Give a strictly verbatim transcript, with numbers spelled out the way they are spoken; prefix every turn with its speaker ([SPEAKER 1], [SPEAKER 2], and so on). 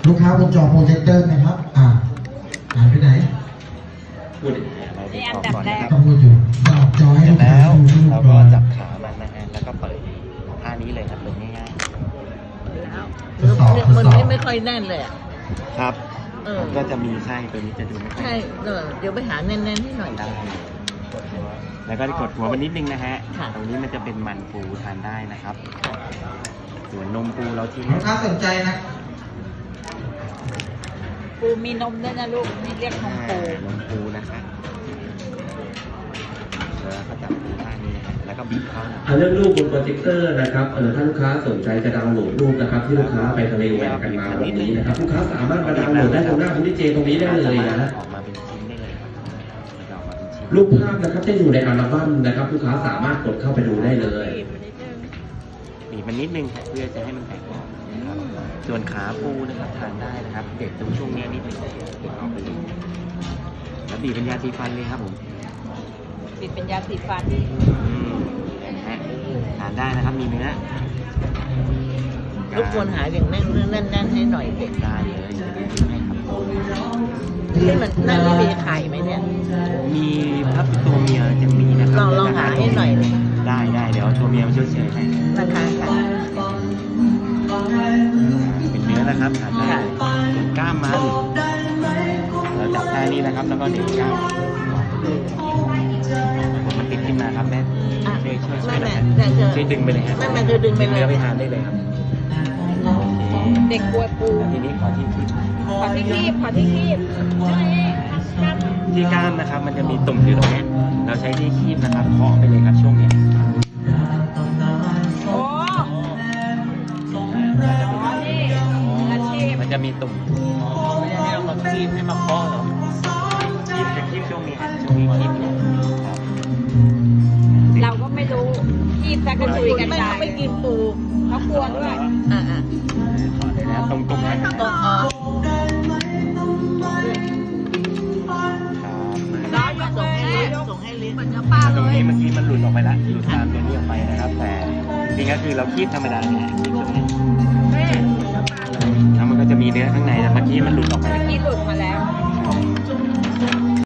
[SPEAKER 1] ลูกค้าบนจอโปรเจคเตอร์นะครับอ่าหายไปไหน
[SPEAKER 2] พูดเราดูออกก่อนนะครับ
[SPEAKER 1] ต้องพูดอยู่ตอบจอให้
[SPEAKER 2] เสร็
[SPEAKER 1] ลู
[SPEAKER 2] จ
[SPEAKER 1] กค้า
[SPEAKER 2] แล้ว
[SPEAKER 1] ดูรูป
[SPEAKER 2] เรา
[SPEAKER 1] ก่
[SPEAKER 2] ก็
[SPEAKER 1] อน
[SPEAKER 2] จับขามันนะฮะแล้วก็เปิดท่านี้เลยครับเปิดง่าย
[SPEAKER 3] มันไม่ไม่ค่อยแน่นเลยอ่ะ
[SPEAKER 2] ๆครับ
[SPEAKER 3] เออ
[SPEAKER 2] ก็จะมีไส้ตัวนี้จะดูไม่ค่อย
[SPEAKER 3] ใช่เออเดี๋ยวไปหาแน่นๆให้หน่อย
[SPEAKER 2] ได้แล้วก็กดหัวมันนิดนึงนะฮะ
[SPEAKER 3] ค่ะ
[SPEAKER 2] ตรงนี้มันจะเป็นมันปูทานได้นะครับ ส่วนนมปูเราทิ้ง
[SPEAKER 1] ลูกค้าสนใจนะ
[SPEAKER 3] ปูมีนมด้วยนะลูกนี่เรียกนมปู
[SPEAKER 2] นมปูนะครับแล้วก็จับปูท่านี้นะฮะแล้วก็บีบเข้า
[SPEAKER 4] อ่าเรื่องรูปบนโปรเจคเตอร์นะครับเออถ้าลูกค้าสนใจจะดาวน์โหลดรูปนะครับที่ลูกค้าไปทะเลแหวกกันมาวันนี้นะครับลูกค้าสามารถมาดาวน์โหลดได้ตรงหน้าคุณดิเจตรงนี้ได้เลยนะ
[SPEAKER 2] ออกมาเป็นชิ้นได้เลยครับมันจะออกมาเป็นชิ้น
[SPEAKER 4] รูปภาพนะครับจะอยู่ในอัลบั้มนะครับลูกค้าสามารถกดเข้าไปดูได้เลย
[SPEAKER 2] บีบมันนิดนึงเพื่อจะให้มันแตกออกนะครับส่วนขาปูนะครับทานได้นะครับเด็ดตรงช่วงเนี้ยนิดนึงเด็ดออกไปเลยแล้วบีบเป็นยาสีฟันเลยครับผม
[SPEAKER 3] ปิดเป็นยาสีฟัน
[SPEAKER 2] อืมนะฮะทานได้นะครับมีเนื้อ
[SPEAKER 3] รบกวนหาอย่างแน่นแน่นแน่นให้หน่อยเด็ก
[SPEAKER 2] ได้เลยจะดูให้ครับ
[SPEAKER 3] ที่มันน่าจะมีไข่ไหมเนี่ย
[SPEAKER 2] มีครับตัวเมียจะมีนะครั
[SPEAKER 3] ลองลองหาให้หน่อยเลย
[SPEAKER 2] ได้ได้เดี๋ยวตัวเมียมาช่วยเฉยให้
[SPEAKER 3] ราคาค่ะ
[SPEAKER 2] เป็นเนื้อนะครับทานได้ส่วนกล้ามมันเราจับท่านี้นะครับ แล้วก็เด็ดกล้ามผมมันติดขึ้นมาครับแม่
[SPEAKER 3] อ่ะ
[SPEAKER 2] ช่วยช่วยช่ว
[SPEAKER 3] แม่
[SPEAKER 2] ยหน่
[SPEAKER 3] แม่
[SPEAKER 2] อย
[SPEAKER 3] แม่เธอ
[SPEAKER 2] ช่วยดึงไปเลยฮะ
[SPEAKER 3] แม่แม่เธอดึงไปเลย
[SPEAKER 2] เนื้อไปทานได้เลยครับโอเค
[SPEAKER 3] เด็กกลัวปู
[SPEAKER 2] ทีนี้ขอที่ที่
[SPEAKER 3] ขอที่คีบขอที่คีบใช่
[SPEAKER 2] ที่กล้ามนะครับ มันจะมีตุ่มอยู่ตรงเนี้ยเราใช้ที่คีบนะครับเคาะไปเลยครับช่วงเนี้ย
[SPEAKER 3] โอ้อาชีพ
[SPEAKER 2] มันจะมีตุ่มไม่ได้ให้เรามาคีบให้มาเคาะหรอกคีบจะคีบช่วงนี้ฮะช่วงนี้คีบอยู่ครับ
[SPEAKER 5] เราก็ไม่รู้คีบซะกระจุยกระ
[SPEAKER 3] ไม่
[SPEAKER 5] จาย
[SPEAKER 3] ไม่กินปู
[SPEAKER 5] เขากลัวด้วย
[SPEAKER 3] อ่าอ่า
[SPEAKER 2] ขอเลยนะตรงตรงนั้นนะ
[SPEAKER 3] ต้
[SPEAKER 2] ค
[SPEAKER 3] อ
[SPEAKER 2] รับ
[SPEAKER 3] งอ๋อ
[SPEAKER 5] ร้อนมากเลย
[SPEAKER 3] ส่งให้ลิ้น
[SPEAKER 5] เหมือนเนื้อปลา
[SPEAKER 2] ต
[SPEAKER 5] เล
[SPEAKER 2] รง
[SPEAKER 5] ย
[SPEAKER 2] นี้เมื่อกี้มันหลุดออกไปแล้วหลุดตามตัวนี้ออกไปนะครับ แต่จริงๆก็คือเราคีบธรรมดาเนี่ยคีบตรงนี้
[SPEAKER 5] แม่
[SPEAKER 2] แล้วมันก็จะมีเนื้อข้างในแต่เมื่อกี้มันหลุดออกไป
[SPEAKER 5] เมื่อกี้หลุดมาแล้ว